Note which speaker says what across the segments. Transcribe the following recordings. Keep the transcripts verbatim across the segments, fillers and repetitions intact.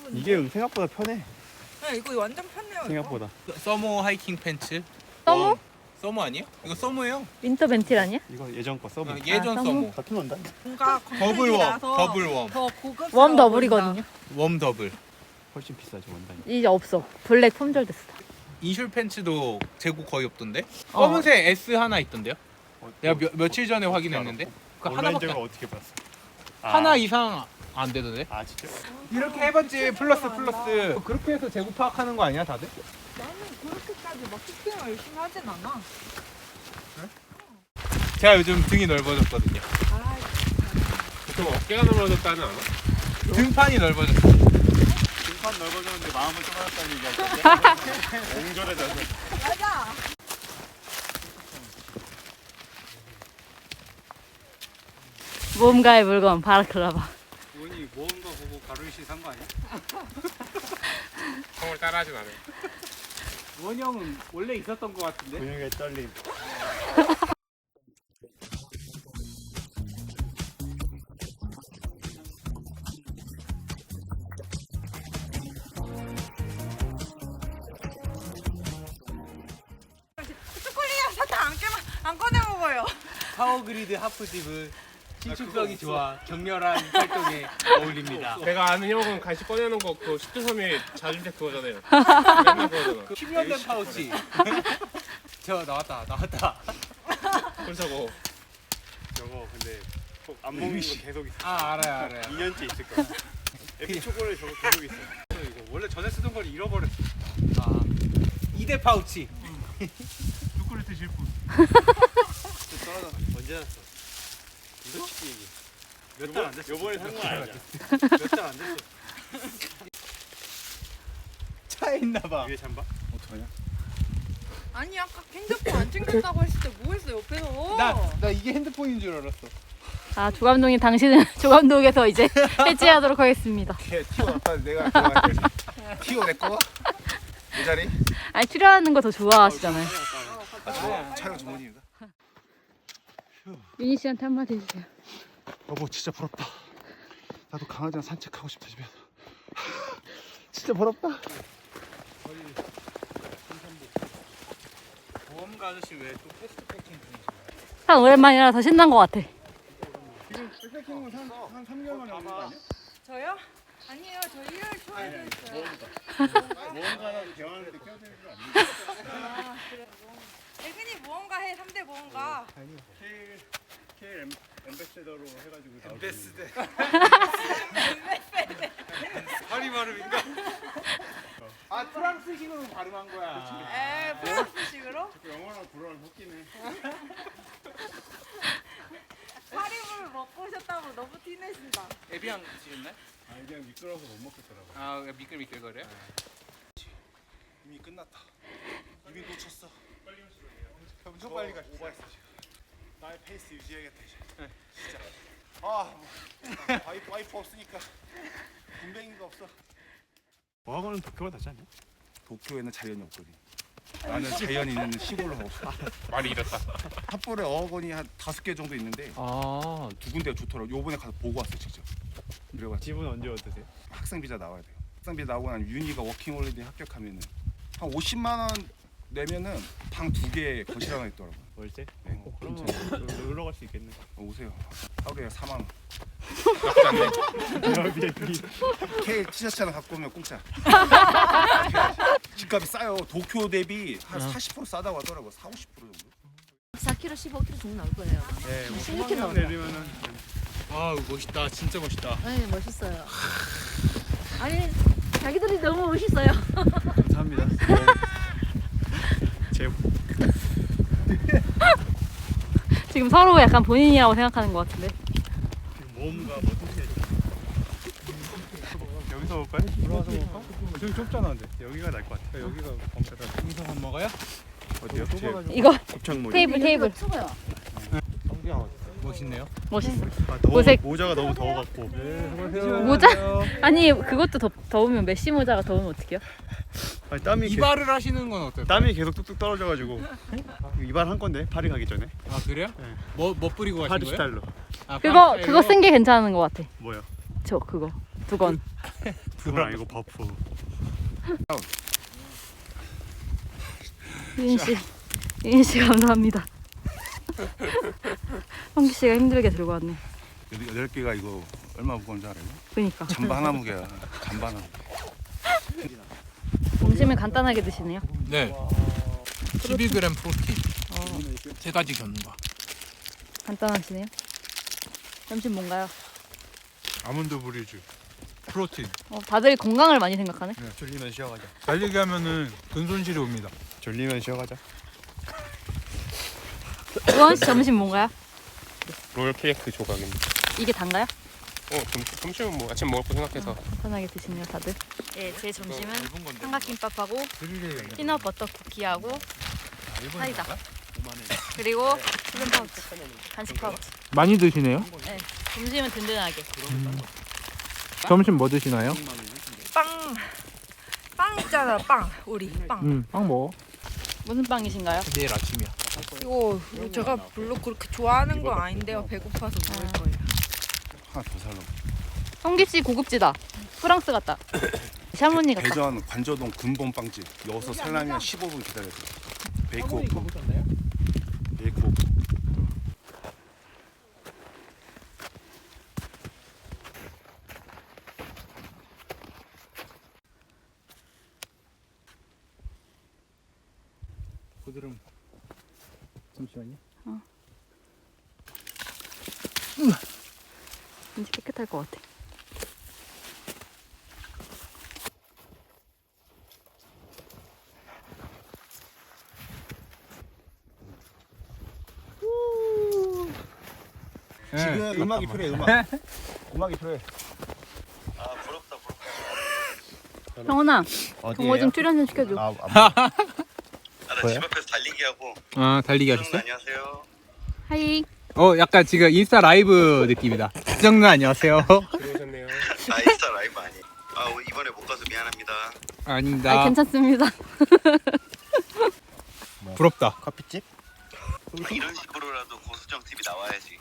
Speaker 1: 근데.
Speaker 2: 이게 생각보다 편해.
Speaker 1: 네, 이거 완전 편해요.
Speaker 2: 생각보다.
Speaker 3: 서머 하이킹 팬츠.
Speaker 4: 서머?
Speaker 3: 어, 서머 아니에요? 이거 서머예요.
Speaker 4: 윈터 벤틸 아니야?
Speaker 2: 이거 예전 거 써보.
Speaker 3: 어, 예전
Speaker 4: 아,
Speaker 3: 서머.
Speaker 2: 같은 건다.
Speaker 1: 뭔가
Speaker 3: 더블 웜,
Speaker 1: 검색이라서
Speaker 3: 더블 웜.
Speaker 1: 더 고급.
Speaker 4: 웜 더블이거든요.
Speaker 3: 웜 더블.
Speaker 2: 훨씬 비싸죠 원단이.
Speaker 4: 이제 없어. 블랙 품절 됐어.
Speaker 3: 인슐 팬츠도 재고 거의 없던데.
Speaker 4: 어.
Speaker 3: 검은색 S 하나 있던데요.
Speaker 2: 어,
Speaker 3: 내가
Speaker 2: 어,
Speaker 3: 며, 며칠 전에
Speaker 2: 어떻게
Speaker 3: 확인했는데
Speaker 2: 알았어?
Speaker 3: 그
Speaker 2: 온라인
Speaker 3: 하나밖에
Speaker 2: 제가
Speaker 3: 안-
Speaker 2: 어떻게 봤어?
Speaker 3: 하나
Speaker 2: 아,
Speaker 3: 이상 안 되던데.
Speaker 2: 아 진짜?
Speaker 3: 이렇게 해봤지 플러스 플러스. 그렇게 해서 재고 파악하는 거 아니야 다들?
Speaker 1: 나는 그렇게까지 막 쇼핑을 열심히 하진 않아.
Speaker 3: 제가 요즘 등이 넓어졌거든요.
Speaker 1: 아,
Speaker 5: 좀 어깨가 넘어졌다는 않아?
Speaker 3: 등판이 넓어졌어.
Speaker 2: 등판 넓어졌는데 마음은 좁아졌다는 얘기야. 옹졸해져서.
Speaker 1: 맞아.
Speaker 4: 모험가의 물건 바라클라바.
Speaker 5: 원이 모험가 보고 가루이씨 산 거 아니야? 형을 따라하진 않아요. 원이 형은 원래 있었던 거 같은데?
Speaker 2: 근육에 떨림.
Speaker 1: 초콜릿이랑 사탕 안 깨면 안 꺼내 먹어요.
Speaker 3: 파워그리드 하프집은 신축성이 좋아 격렬한 활동에 어울립니다.
Speaker 5: 제가 아는 형은 간식 꺼내는 거 그거 십 대 삼일 자주색 그거잖아요. 맨날 그거잖아.
Speaker 3: 십 년 된 파우치. 저 나왔다 나왔다.
Speaker 5: 그렇다고.
Speaker 2: 저거 근데 꼭 안 먹는 거 계속 있어.
Speaker 3: 아 알아요 알아요.
Speaker 2: 이 년째 있을 거야. 에피 초콜릿 저거 계속 있어.
Speaker 5: 이거 원래 전에 쓰던 걸 잃어버렸어.
Speaker 3: 아 이 대 파우치.
Speaker 2: 초콜릿 드실 분.
Speaker 5: 떨어져. 언제 샀어? 솔직히 얘기. 몇 달 안 됐어.
Speaker 2: 요번에 산 거 아니야.
Speaker 5: 몇 달 안 됐어.
Speaker 3: 차에 있나봐.
Speaker 2: 위에 잠바? 어떡하냐?
Speaker 1: 아니 아까 핸드폰 안 챙겼다고 했을 때 뭐 했어 옆에서?
Speaker 3: 나 나 이게 핸드폰인 줄 알았어.
Speaker 4: 아 조감독님 당신은 조감독에서 이제 해체하도록 하겠습니다.
Speaker 3: 걔 티오 아까 내가 좋아할 때. 티오 내 거? 내 자리?
Speaker 4: 아니 출연하는 거 더 좋아하시잖아요.
Speaker 3: 아 저 촬영 전문입니다.
Speaker 4: 윤희 씨한테 한마디 해주세요.
Speaker 2: 여보 진짜 부럽다. 나도 강아지랑 산책하고 싶다 집에서. 진짜 부럽다.
Speaker 3: 보험가 아저씨 왜 또 패스트 패킹 중이신가요?
Speaker 4: 한 오랜만이라 더 신난 것 같아.
Speaker 2: 지금 백패킹은 한 삼 개월 만에 하는 거 아니야?
Speaker 1: 저요? 아니에요. 저 일월 초에도 했어요.
Speaker 2: 모험가랑 대화하는데 껴드는 거 아니야?
Speaker 1: 아, 그래. 대근이 모험가 해. 삼 대 모험가.
Speaker 2: 케일 케일 엠베세더로 해가지고
Speaker 3: 엠베스데.
Speaker 5: 파리 발음인가?
Speaker 3: 아 프랑스식으로 발음한 거야.
Speaker 1: 에, 프랑스식으로?
Speaker 2: 영어랑 불어를 섞이네.
Speaker 1: 파리물 먹고 오셨다고 너무 티내신다.
Speaker 3: 에비앙 드시겠나요?
Speaker 2: 아 그냥 미끄러워서 못 먹겠더라고.
Speaker 3: 아 미끌미끌거려요?
Speaker 2: 이미 끝났다. 이미 놓쳤어.
Speaker 3: 엄청 빨리 가시죠.
Speaker 2: 오버했어 지금. 나의 페이스 유지해야겠다 이제. 진짜. 아 뭐, 와이프 와이프 없으니까 군뱅이가 없어. 어학원은 도쿄가 낫지 않냐?
Speaker 6: 도쿄에는 자연이 없거든. 나는 자연이 있는 시골로 가고 싶어.
Speaker 5: 말이 이렇다.
Speaker 6: 삿포로에 어학원이 한 다섯 개 정도 있는데
Speaker 3: 아
Speaker 6: 두 군데가 좋더라고. 요번에 가서 보고 왔어 직접. 그래가지고
Speaker 2: 집은 언제 어떠세요?
Speaker 6: 학생 비자 나와야 돼요. 학생 비자 나오고 나면 윤희가 워킹홀리데이 합격하면은 한 오십만 원 내면은 방 두 개 거실 하나 있더라고.
Speaker 2: 월세?
Speaker 6: 네.
Speaker 2: 어, 그러면 놀러 갈 수 있겠네.
Speaker 6: 어, 오세요. 하루에 사만 원.
Speaker 2: 에어비앤비.
Speaker 6: K 티셔츠 하나 갖고 오면 공짜. 집값이 싸요. 도쿄 대비 한 사십 퍼센트 싸다고 하더라고. 사, 오십 퍼센트 정도.
Speaker 7: 사 킬로그램, 십오 킬로그램 정도 나올 거예요.
Speaker 2: 네, 뭐
Speaker 7: 십육
Speaker 2: 소망
Speaker 7: 킬로그램
Speaker 2: 내리면은
Speaker 3: 아 멋있다 진짜 멋있다.
Speaker 7: 네, 멋있어요. 아니, 자기들이 너무 멋있어요.
Speaker 2: 감사합니다. 제
Speaker 4: 지금 서로 약간 본인이라고 생각하는 것 같은데.
Speaker 2: 모험가 뭐 뜻이야? 여기서 먹을까요? 들어와서 먹을까? 저기 좁잖아 근데 여기가 나을 것 같아. 여기가 범죄다.
Speaker 3: 여기서 밥 먹어요?
Speaker 2: 어디요? 제
Speaker 4: 이거
Speaker 2: 곱창
Speaker 4: 테이블 테이블.
Speaker 7: 추가요.
Speaker 3: 멋있네요.
Speaker 4: 멋있어.
Speaker 2: 아, 더워,
Speaker 4: 보색.
Speaker 2: 모자가 너무 더워갖고. 네,
Speaker 4: 모자? 아니 그것도 더, 더우면 메시 모자가 더우면 어떡해요?
Speaker 2: 아니, 땀이 계,
Speaker 3: 이발을 하시는 건 어떨까요?
Speaker 2: 땀이 계속 뚝뚝 떨어져가지고 이발 한 건데 파리 가기 전에
Speaker 3: 아 그래요?
Speaker 2: 네.
Speaker 3: 뭐, 뭐 뿌리고 가신
Speaker 2: 파리
Speaker 3: 거예요?
Speaker 2: 스타일로.
Speaker 3: 아,
Speaker 4: 그거
Speaker 3: 파리
Speaker 4: 그거 쓴 게 괜찮은 것 같아.
Speaker 2: 뭐요?
Speaker 4: 저 그거 두 건.
Speaker 2: 그건 아니고 버프.
Speaker 4: 유인 씨, 유인 씨 감사합니다. 성기 씨가 힘들게 들고 왔네.
Speaker 6: 여덟 개가 이거 얼마 무거운지 알아요?
Speaker 4: 그니까.
Speaker 6: 잠바 하나 무게야. 잠바 하나 무게.
Speaker 4: 점심을 간단하게 드시네요.
Speaker 8: 네. 십이 그램 프로틴. 세 가지 견과.
Speaker 4: 간단하시네요. 점심 뭔가요?
Speaker 2: 아몬드 브리즈. 프로틴.
Speaker 4: 어, 다들 건강을 많이 생각하네.
Speaker 2: 네, 졸리면 쉬어가자. 달리기 하면은 근손실이 옵니다. 졸리면 쉬어가자.
Speaker 4: 우원 씨 점심 뭔가요?
Speaker 9: 롤 케이크 조각입니다.
Speaker 4: 이게 단가요?
Speaker 9: 어, 점, 점심은 뭐 아침 먹을 거 생각해서.
Speaker 4: 편하게 드시네요, 다들. 네, 제 점심은 삼각김밥하고 피넛 버터 쿠키하고 사이다. 그리고 수분 파우치, 간식 파우치.
Speaker 5: 많이 드시네요.
Speaker 4: 네, 점심은 든든하게.
Speaker 5: 점심 뭐 드시나요?
Speaker 1: 빵. 빵 있잖아, 빵. 우리 빵.
Speaker 5: 음, 빵 먹어.
Speaker 4: 무슨 빵이신가요?
Speaker 8: 내일 아침이야.
Speaker 1: 이거 제가 별로 그렇게 좋아하는 건 아닌데요. 배고파서 먹을 거예요.
Speaker 6: 하나 더 살라고.
Speaker 4: 성기 씨 고급지다. 프랑스 같다. 샤머니 같다.
Speaker 6: 대전 관저동 근본 빵집. 여기서 살려면 십오 분 기다려야 돼. 베이크 오프. 베이크 오프.
Speaker 5: 고드름. 잠시만요.
Speaker 4: 왠지 깨끗할 것 같아.
Speaker 6: 지금 음악이 필요해. 음악. 음악이 필요해.
Speaker 4: 형원아, 동호 좀 출연 좀 시켜줘.
Speaker 6: 아, 아,
Speaker 3: 집 앞에서 달리기 하고.
Speaker 8: 아 달리기 하셨어요?
Speaker 3: 안녕하세요.
Speaker 4: 하이.
Speaker 8: 어 약간 지금 인스타 라이브 느낌이다. 지정님 안녕하세요.
Speaker 9: 들어오셨네요.
Speaker 3: 아 인스타 라이브 아니. 아 이번에 못 가서 미안합니다.
Speaker 8: 아닙니다.
Speaker 4: 아, 괜찮습니다.
Speaker 8: 부럽다.
Speaker 2: 커피집?
Speaker 3: 이런 식으로라도 고수정 티비 나와야지.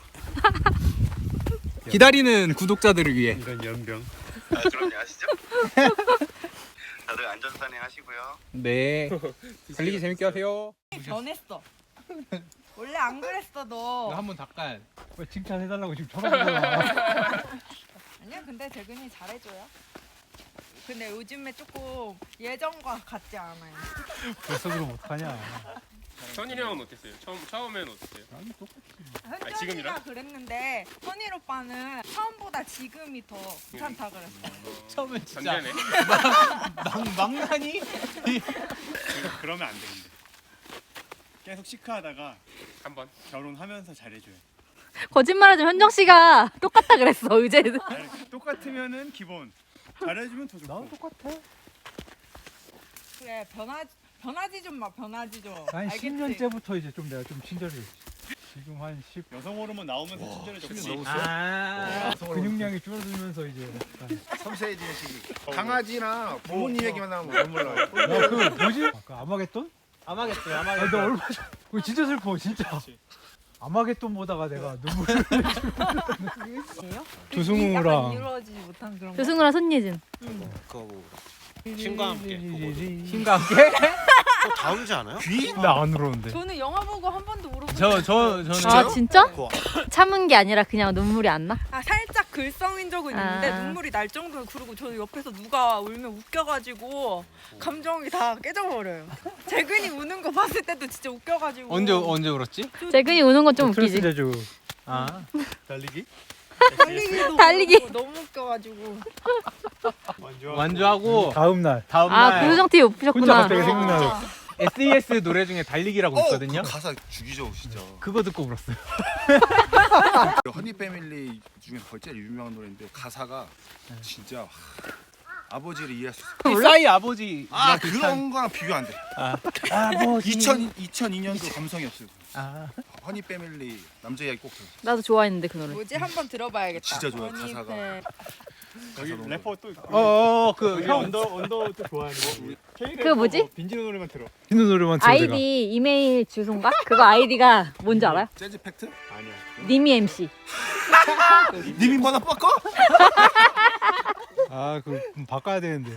Speaker 8: 기다리는 구독자들을 위해.
Speaker 2: 이런 연병.
Speaker 3: 아 그럼요 아시죠? 다들 안전산행 하시고요.
Speaker 8: 네. 달리기 재밌게 하세요.
Speaker 1: 변했어. 원래 안 그랬어 너.
Speaker 8: 한번 잠깐.
Speaker 5: 왜 칭찬해달라고 지금 전화하잖아.
Speaker 1: 아니야 근데 재근이 잘해줘요. 근데 요즘에 조금 예전과 같지 않아요.
Speaker 5: 벌써 그럼 어떡하냐.
Speaker 9: 선일이 형은 어땠어요? 처음 처음엔 어땠어요?
Speaker 5: 아니 똑같이.
Speaker 1: 현정이가
Speaker 9: 지금이랑?
Speaker 1: 그랬는데 선일 오빠는 처음보다 지금이 더 괜찮다 그랬어.
Speaker 8: 처음엔 진짜
Speaker 9: 전제네.
Speaker 8: 막 막나니?
Speaker 2: 그러면 안 되는데. 계속 시크하다가
Speaker 9: 한번.
Speaker 2: 결혼하면서 잘해줘요.
Speaker 4: 거짓말하지 현정 씨가 똑같다 그랬어 의제.
Speaker 2: 아니, 똑같으면은 기본. 잘해주면 더 좋고.
Speaker 5: 나도 똑같아.
Speaker 1: 그래 변하 변하지 좀 마 변하지 좀.
Speaker 5: 한
Speaker 1: 알겠지?
Speaker 5: 십 년째부터 이제 좀 내가 좀 친절해. 지금 한 십.
Speaker 2: 여성 호르몬 나오면서 친절해졌지.
Speaker 8: 아.
Speaker 5: 근육량이 줄어들면서 이제 약간.
Speaker 3: 섬세해지는 시기. 강아지나 부모님 얘기만 나오면 눈물 나요.
Speaker 5: 야, 그 뭐지? 아, 그 아마겟돈?
Speaker 8: 아마겟돈
Speaker 5: 아,
Speaker 8: 아마겟돈.
Speaker 5: 나 얼마 전. 그거 진짜 슬퍼, 진짜. 아마겟돈 보다가 내가 눈물을.
Speaker 1: 약간
Speaker 5: 조승우랑
Speaker 1: 이루어지지 못한 그런 거.
Speaker 4: 조승우랑 손예진.
Speaker 8: 그거 뭐 신과 함께.
Speaker 5: 힘.
Speaker 8: 신과 함께?
Speaker 3: 다음 주 않아요?
Speaker 5: 나안 울었는데.
Speaker 1: 저는 영화 보고 한 번도 울어본
Speaker 8: 저 저 저는
Speaker 4: 아 진짜? 참은 게 아니라 그냥 눈물이 안 나?
Speaker 1: 아 살짝 글썽인 적은 있는데
Speaker 4: 아.
Speaker 1: 눈물이 날 정도로. 그리고 저는 옆에서 누가 울면 웃겨가지고 감정이 다 깨져버려요. 재근이 우는 거 봤을 때도 진짜 웃겨가지고.
Speaker 8: 언제 언제 울었지?
Speaker 4: 재근이 우는 건 좀
Speaker 5: 스트레스
Speaker 4: 웃기지.
Speaker 5: 제주.
Speaker 8: 아
Speaker 2: 달리기?
Speaker 1: 달리기도
Speaker 4: 달리기.
Speaker 1: 그렇고 너무 웃겨가지고.
Speaker 2: 완전.
Speaker 8: 완주하고
Speaker 5: 다음 날.
Speaker 8: 다음
Speaker 4: 아
Speaker 8: 날
Speaker 4: 구조정 티비 못
Speaker 5: 혼자
Speaker 4: 보셨구나.
Speaker 5: 갑자기 생각나요.
Speaker 8: 에스이에스 노래 중에 달리기라고 있거든요.
Speaker 6: 그 가사 죽이죠 진짜.
Speaker 8: 그거 듣고 울었어요.
Speaker 6: 허니 패밀리 중에 거의 제일 유명한 노래인데 가사가 진짜 와, 아버지를 이해할 수 있어.
Speaker 8: 싸이 아버지.
Speaker 6: 아 그런 거랑 비교 안 돼.
Speaker 5: 아버지.
Speaker 6: 이천 이천이 년도 감성이었어요.
Speaker 8: 아.
Speaker 6: 허니 패밀리 남자 이야기 꼭 들어.
Speaker 4: 나도 좋아했는데 그 노래.
Speaker 1: 뭐지 한번 들어봐야겠다.
Speaker 6: 진짜 좋아요,
Speaker 1: 언니
Speaker 6: 가사가.
Speaker 1: 팬.
Speaker 2: 여기 래퍼 또 있고.
Speaker 8: 어그
Speaker 2: 우리
Speaker 8: 형.
Speaker 2: 언더 언더 또 좋아하는 거.
Speaker 4: 그거 뭐지?
Speaker 2: 빈지노 노래만 들어.
Speaker 5: 비누 노래만 들어 내가.
Speaker 4: 아이디 이메일 주소인가? 그거 아이디가 뭔지 알아요?
Speaker 6: 재즈 팩트?
Speaker 2: 아니야.
Speaker 4: 니미 엠씨.
Speaker 3: 님이 뭐나 뻗고?
Speaker 5: 아 그럼 바꿔야 되는데.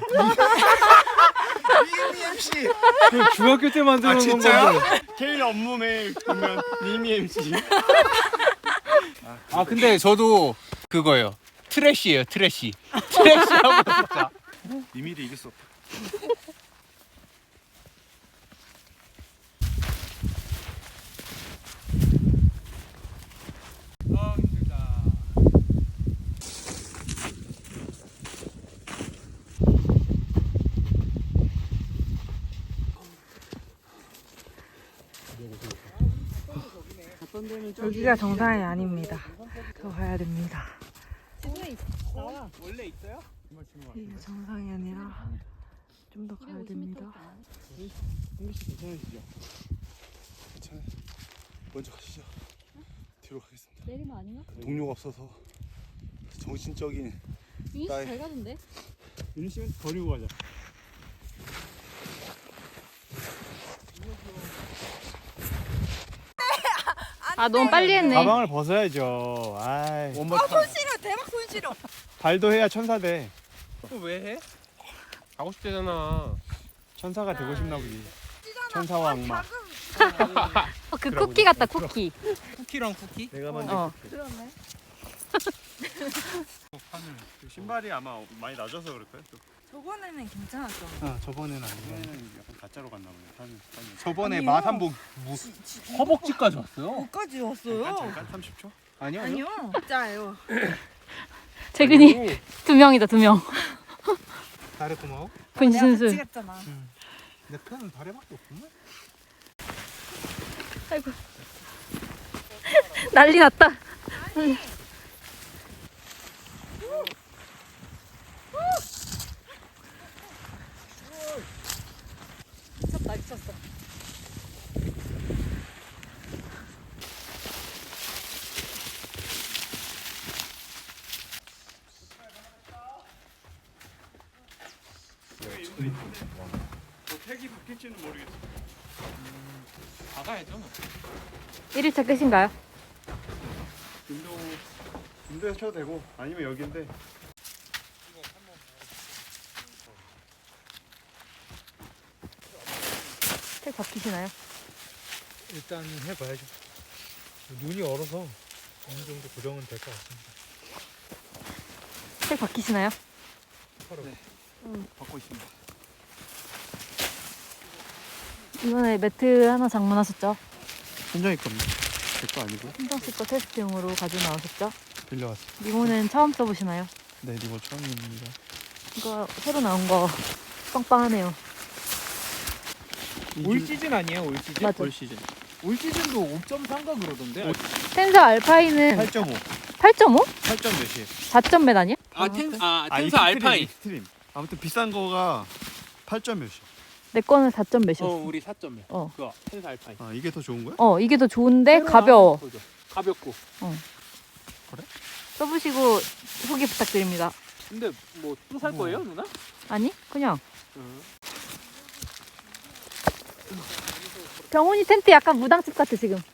Speaker 3: 님이 엠씨.
Speaker 5: 그 중학교 때 만드는
Speaker 3: 아, 진짜요?
Speaker 5: 건데.
Speaker 2: 제일 업무에 보면 니미 엠씨.
Speaker 8: 아 근데 저도 그거예요. 트래쉬예요, 트래쉬. 트래쉬하고 진짜.
Speaker 2: 니미를 이길 수 없다.
Speaker 8: 아 힘들다.
Speaker 1: 여기가 정상이 아닙니다. 더 가야 됩니다.
Speaker 8: 원래 있어요?
Speaker 1: 이게 정상이 아니라 좀 더 가야 됩니다.
Speaker 2: 홍기씨 괜찮으시죠? 괜찮아요. 먼저 가시죠. 뒤로 가겠습니다.
Speaker 7: 내리면 아닌가?
Speaker 2: 동료가 없어서 정신적인
Speaker 7: 윤희
Speaker 2: 나의-
Speaker 7: 씨잘 가던데?
Speaker 2: 윤희 씨는 버리고 가자.
Speaker 4: 아 너무 빨리 했네.
Speaker 2: 가방을 벗어야죠. 아이.
Speaker 1: 아, 손 시려. 대박 손 시려.
Speaker 2: 발도 해야 천사 돼.
Speaker 8: 왜 해?
Speaker 9: 가고 싶대잖아.
Speaker 2: 천사가 되고 싶나 보지. 천사와 악마.
Speaker 4: 어, 그 쿠키 같다 쿠키.
Speaker 8: 쿠키랑 쿠키?
Speaker 2: 내가 만든
Speaker 4: 어.
Speaker 1: 그러네.
Speaker 2: 그 신발이 아마 많이 낮아서 그럴 거예요. 또.
Speaker 1: 저번에는 괜찮았죠.
Speaker 2: 아 저번에는 아니고. 저번에는 약간 가짜로 갔나 보네. 한, 한
Speaker 8: 저번에
Speaker 1: 아니요.
Speaker 8: 맛 한번 뭐 허벅지까지 왔어요.
Speaker 1: 어디까지 왔어요?
Speaker 2: 잠깐 잠깐 삼십 초?
Speaker 8: 아니요.
Speaker 1: 아니요. 진짜예요.
Speaker 4: 재근이 두 명이다 두 명.
Speaker 8: 다리 고마워.
Speaker 1: 내가 같이
Speaker 4: 분신술.
Speaker 1: 갔잖아.
Speaker 8: 내 편은 다리밖에 없구만.
Speaker 4: 아이고. 난리 났다.
Speaker 7: 미쳤다 미쳤어.
Speaker 2: 저 택이 바뀔지는 모르겠어.
Speaker 8: 나가야죠.
Speaker 4: 일 일차 끝인가요?
Speaker 2: 김도 김도에서 쳐도 되고 아니면 여기인데.
Speaker 4: 책 바뀌시나요?
Speaker 5: 일단 해봐야죠. 눈이 얼어서 어느 정도 고정은 될 것 같습니다.
Speaker 4: 책 바뀌시나요?
Speaker 2: 받고 있습니다.
Speaker 4: 이번에 매트 하나 장만하셨죠?
Speaker 2: 현정이 겁니다. 제 거 아니고
Speaker 4: 신정 씨거 테스트용으로 가지고 나오셨죠?
Speaker 2: 빌려왔어요.
Speaker 4: 리모는 처음 써보시나요?
Speaker 2: 네, 리모 처음입니다.
Speaker 4: 이거 새로 나온 거 빵빵하네요.
Speaker 8: 올 시즌 아니에요? 올 시즌?
Speaker 4: 맞아.
Speaker 8: 올 시즌. 올 시즌도 오 점 삼가 그러던데.
Speaker 4: 텐서 알파인은
Speaker 2: 팔 점 오.
Speaker 4: 팔 점 오?
Speaker 2: 팔 점 몇이에요?
Speaker 4: 사 점 몇 아니야?
Speaker 8: 아, 텐, 아,
Speaker 2: 아,
Speaker 8: 텐서
Speaker 2: 익스트림,
Speaker 8: 알파인.
Speaker 2: 익스트림. 아무튼 비싼 거가 팔 점 몇이야?
Speaker 4: 내 거는 사 점 몇이었어.
Speaker 8: 어, 우리 사 점이야.
Speaker 4: 어.
Speaker 8: 그거 텐서 알파인.
Speaker 2: 아, 이게 더 좋은 거야?
Speaker 4: 어, 이게 더 좋은데 가벼워.
Speaker 8: 그죠. 가볍고.
Speaker 4: 써보시고 후기 부탁드립니다.
Speaker 8: 근데 뭐 또 살 거예요, 누나?
Speaker 4: 아니, 그냥.
Speaker 8: 응.
Speaker 4: 병훈이 텐트 약간 무당집 같아 지금.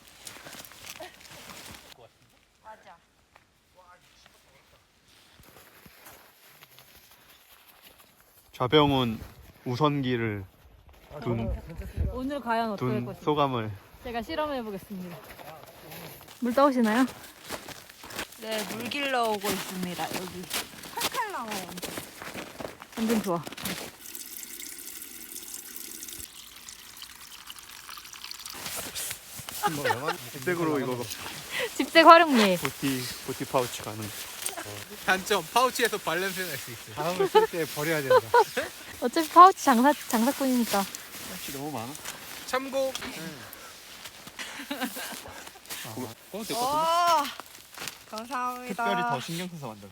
Speaker 2: 좌병훈 우선기를 둔,
Speaker 4: 오늘 과연 어떨
Speaker 2: 둔
Speaker 4: 것인지
Speaker 2: 소감을.
Speaker 4: 제가 실험해 보겠습니다. 물 떠오시나요?
Speaker 1: 네, 물 길러 오고 있습니다. 여기 칼칼 나와요.
Speaker 4: 완전 좋아.
Speaker 2: 백으로 이거
Speaker 4: 집색 활용리.
Speaker 2: 보티 보티 파우치 가능.
Speaker 8: 단점 파우치에서 발냄새 날 수 있어요.
Speaker 5: 다음을 쓸 때 버려야 된다.
Speaker 4: 어차피 파우치 장사 장사꾼이니까.
Speaker 2: 파우치 너무 많아.
Speaker 8: 참고.
Speaker 1: 오, 감사합니다.
Speaker 2: 특별히 더 신경 써서 만들었어.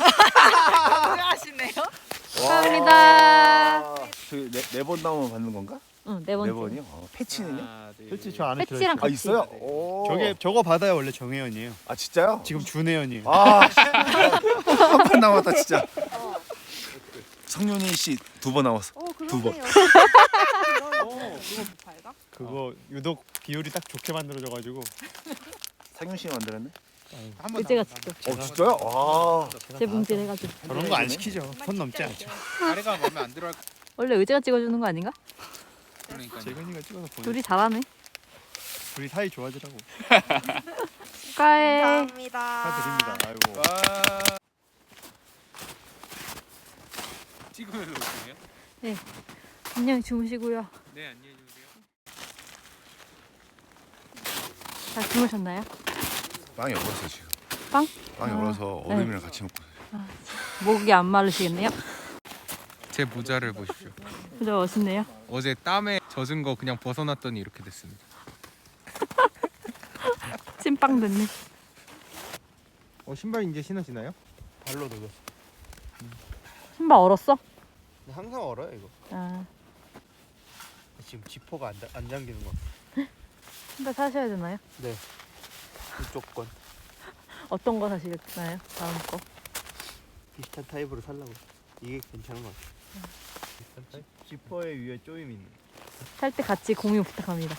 Speaker 1: 하시네요.
Speaker 4: 감사합니다.
Speaker 3: 네번 나오면 받는 건가?
Speaker 4: 응, 네 번째.
Speaker 3: 네 번이요? 어, 패치는요?
Speaker 8: 하나, 둘,
Speaker 2: 솔직히 저 안에
Speaker 4: 패치랑
Speaker 3: 아
Speaker 4: 같이.
Speaker 3: 있어요? 오.
Speaker 2: 저게 저거 받아야 원래 정혜연이에요.
Speaker 3: 아 진짜요?
Speaker 2: 지금 준혜연이에요.
Speaker 3: 아, 한 번 남았다 진짜. 성윤희 씨 두 번 나왔어.
Speaker 1: 오,
Speaker 3: 두 번.
Speaker 2: 그거 유독 비율이 딱 좋게 만들어져가지고
Speaker 3: 상윤 씨가 만들었네?
Speaker 4: 의제가 직접
Speaker 3: 어 진짜요? 와.
Speaker 4: 재봉질 해가지고.
Speaker 2: 저런 거 안 시키죠. 손 넘지 않죠.
Speaker 8: 다리가 마음에 안 들어.
Speaker 4: 원래 의제가 찍어주는 거 아닌가?
Speaker 8: 그러니까.
Speaker 2: 재근이가 찍어서 보내.
Speaker 4: 둘이 잘하네.
Speaker 2: 우리 사이 좋아지라고.
Speaker 4: 축하해.
Speaker 1: 감사합니다.
Speaker 2: 축하드립니다. 아이고.
Speaker 8: 와. 찍으면서 오시네요?
Speaker 4: 안녕히 주무시고요.
Speaker 8: 네, 안녕히 주무세요.
Speaker 4: 잘 주무셨나요?
Speaker 3: 빵이 얼었어 지금.
Speaker 4: 빵?
Speaker 3: 빵이
Speaker 4: 아,
Speaker 3: 얼어서 얼음이랑 같이 먹고.
Speaker 4: 목이 안 마르시겠네요?
Speaker 8: 제 모자를 보십시오.
Speaker 4: 진짜 멋있네요.
Speaker 8: 어제 땀에 젖은 거 그냥 벗어놨더니 이렇게 됐습니다.
Speaker 4: 찐빵 됐네.
Speaker 9: 어 신발 이제 신으시나요? 발로 넣어.
Speaker 4: 신발 얼었어?
Speaker 9: 항상 얼어요 이거.
Speaker 4: 아,
Speaker 9: 지금 지퍼가 안, 안 잠기는 거.
Speaker 4: 신발 사셔야 되나요?
Speaker 9: 이쪽 건
Speaker 4: 어떤 거 사시나요? 다음 거?
Speaker 9: 비슷한 타입으로 살라고. 이게 괜찮은 것 같아. 비슷한 타입? 지퍼에 위에 조임 있는.
Speaker 4: 살 때 같이 공유 부탁합니다.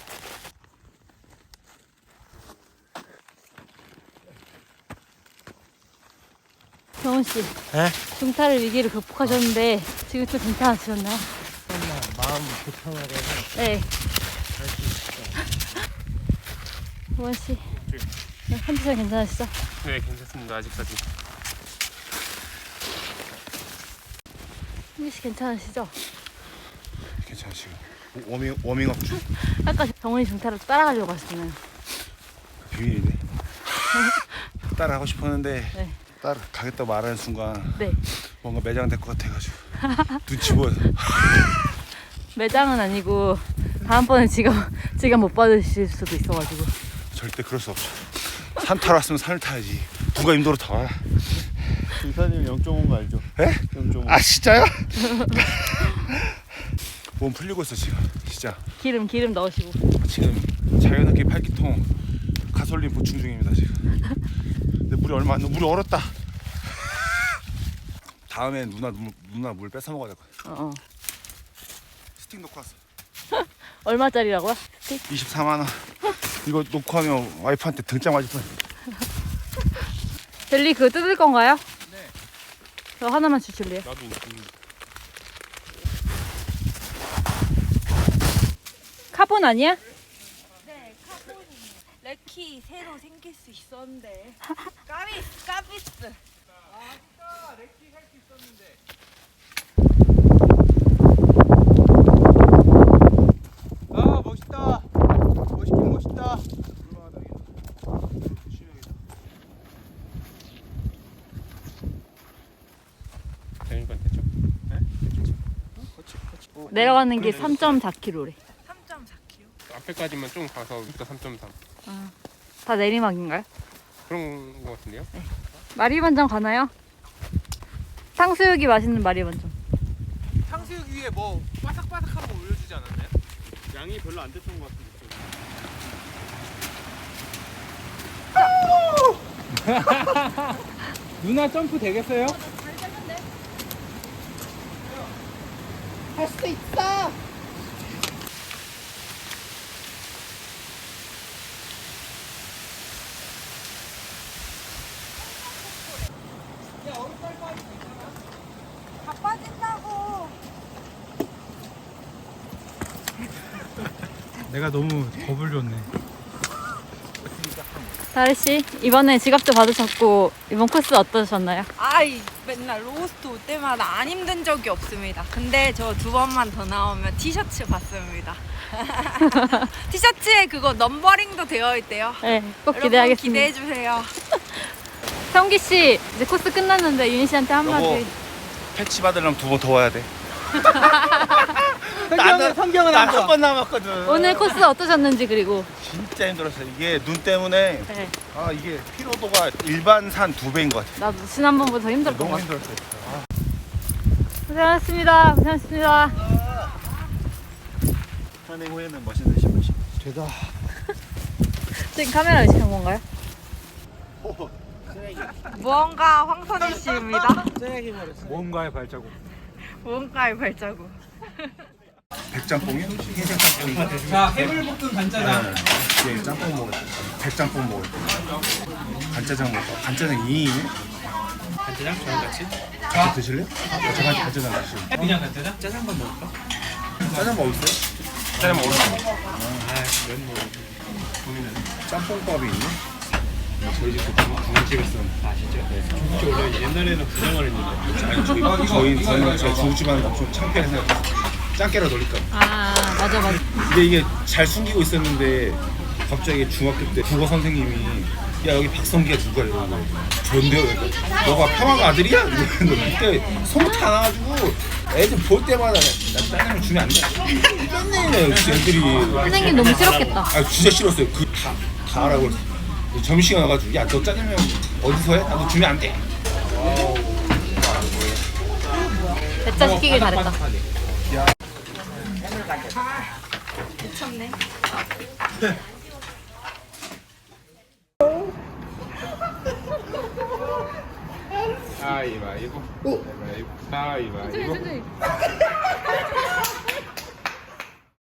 Speaker 4: 경훈 씨,
Speaker 9: 네?
Speaker 4: 중탈을 위기를 극복하셨는데 지금 좀 괜찮으셨나요?
Speaker 9: 마음 불편하게
Speaker 4: 네. 경훈 씨, 네, 컨디션 괜찮으시죠?
Speaker 9: 네 괜찮습니다 아직까지.
Speaker 4: 현기 씨 괜찮으시죠?
Speaker 3: 괜찮아 지금. 워밍 워밍업 중.
Speaker 4: 아까 정훈이 중탈을 따라가려고 하셨잖아요.
Speaker 3: 비밀이네. 따라 하고 싶었는데
Speaker 4: 네.
Speaker 3: 따라 가겠다 말하는 순간
Speaker 4: 네.
Speaker 3: 뭔가 매장될 것 같아가지고 눈치 보여서.
Speaker 4: 매장은 아니고 다음번에 지갑 지갑 못 받으실 수도 있어가지고.
Speaker 3: 절대 그럴 수 없죠. 산 타러 왔으면 산을 타야지. 누가 임도로 타?
Speaker 9: 중사님 영 점 오인 거 알죠?
Speaker 3: 에?
Speaker 9: 영 점 오.
Speaker 3: 아 진짜요? 몸 풀리고 있어 지금. 진짜
Speaker 4: 기름 기름 넣으시고.
Speaker 3: 지금 자연스럽게 팔기통 가솔린 보충 중입니다 지금. 근데 물이 얼마 안 나. 물이 얼었다. 다음엔 누나 물, 누나 물 뺏어 먹어야 될 것 같아.
Speaker 4: 어, 어.
Speaker 3: 스틱 놓고 왔어.
Speaker 4: 얼마짜리라고요?
Speaker 3: 이십사만 원. 이거 놓고 하면 와이프한테 등짝 맞을 뻔.
Speaker 4: 젤리 그거 뜯을 건가요? 네. 저 하나만 주실래요?
Speaker 9: 나도.
Speaker 4: 카본 아니야?
Speaker 1: 네, 카본이 레키 새로 생길 수 있었는데 까비스 까비스.
Speaker 9: 아 멋있다. 멋있긴 멋있다. 대인관 됐죠?
Speaker 4: 내려가는 게 삼 점 사 킬로미터래.
Speaker 1: 삼 점 사 킬로미터.
Speaker 9: 앞에까지만 좀 가서 이따 삼 점 삼.
Speaker 4: 다 내리막인가요?
Speaker 9: 그런 거 같은데요?
Speaker 4: 마리반점 가나요? 탕수육이 맛있는 마리반점.
Speaker 8: 탕수육 위에 뭐 바삭바삭한 거 올려주지 않았나요?
Speaker 9: 양이 별로 안 됐던 것 같은데.
Speaker 5: 누나 점프 되겠어요?
Speaker 1: 다 빠진다고.
Speaker 5: 내가 너무 겁을 줬네.
Speaker 4: 다리 씨 이번에 지갑도 받으셨고 이번 코스 어떠셨나요?
Speaker 1: 아이 맨날 로스트 올 때마다 안 힘든 적이 없습니다. 근데 저 두 번만 더 나오면 티셔츠 받습니다. 티셔츠에 그거 넘버링도 되어 있대요.
Speaker 4: 네, 꼭
Speaker 1: 여러분
Speaker 4: 기대하겠습니다.
Speaker 1: 기대해 주세요.
Speaker 4: 성기 씨 이제 코스 끝났는데 윤희 씨한테 한마디.
Speaker 3: 여보. 패치 받으려면 두 번 더 와야 돼.
Speaker 5: 성경은 성경은 안
Speaker 3: 한 번 남았거든.
Speaker 4: 오늘 코스 어떠셨는지 그리고.
Speaker 3: 진짜 힘들었어요. 이게 눈 때문에
Speaker 4: 네,
Speaker 3: 아 이게 피로도가 일반 산 두 배인 것 같아.
Speaker 4: 나도 지난번보다 더 힘들었던 것
Speaker 3: 너무
Speaker 4: 같아.
Speaker 3: 힘들었어요. 아.
Speaker 4: 고생하셨습니다. 고생하셨습니다.
Speaker 9: 산행 후에는 멋있는 신발 신고.
Speaker 3: 되다.
Speaker 4: 지금 카메라 의식한 건가요?
Speaker 1: 무언가 황선희 씨입니다.
Speaker 5: 모험가의 발자국.
Speaker 1: 무언가의 발자국.
Speaker 3: 백짬뽕이요? 흰색 짬뽕이.
Speaker 5: 자, 해물볶음 간짜장.
Speaker 3: 네, 짬뽕 먹을 때. 백짬뽕 먹을 때. 간짜장 먹을까? 간짜장 이 인이네?
Speaker 2: 간짜장 저랑 같이?
Speaker 3: 같이 드실래요? 아, 저랑 간짜장 같이.
Speaker 2: 그냥 간짜장? 짜장만 먹을까?
Speaker 3: 짜장 뭐 있어요? 짜장 먹을까?
Speaker 2: 아면 뭐 고민은.
Speaker 3: 짬뽕밥이 있네?
Speaker 2: 저희 집 그 중국집에서 아시죠? 네. 중국집 원래 옛날에는 부정을 했는데
Speaker 3: 아니 저희 저희 저희는 저희 중국집 하는 거 엄청 창피해서 짱깨라 놀릴까 봐.
Speaker 4: 아 맞아 맞아.
Speaker 3: 근데 이게 잘 숨기고 있었는데 갑자기 중학교 때 국어 선생님이 야 여기 박성기가 누가 이러는 거야. 전데요. 그러니까 너가 평화가 아들이야? 이러는데 그때 소문 다 나가지고 애들 볼 때마다 나 짜장면 주면 안 돼. 맨날 애들이
Speaker 4: 선생님 너무 싫었겠다.
Speaker 3: 아 진짜 싫었어요. 그 다 다 하라고 그랬어. 점심시간 와가지고 야 너 짜장면 어디서 해? 나도 주면 안 돼.
Speaker 4: 배짜 시키길 잘했다.
Speaker 1: 미쳤네.
Speaker 3: 가위바위보. 가위바위보. 가위바위보.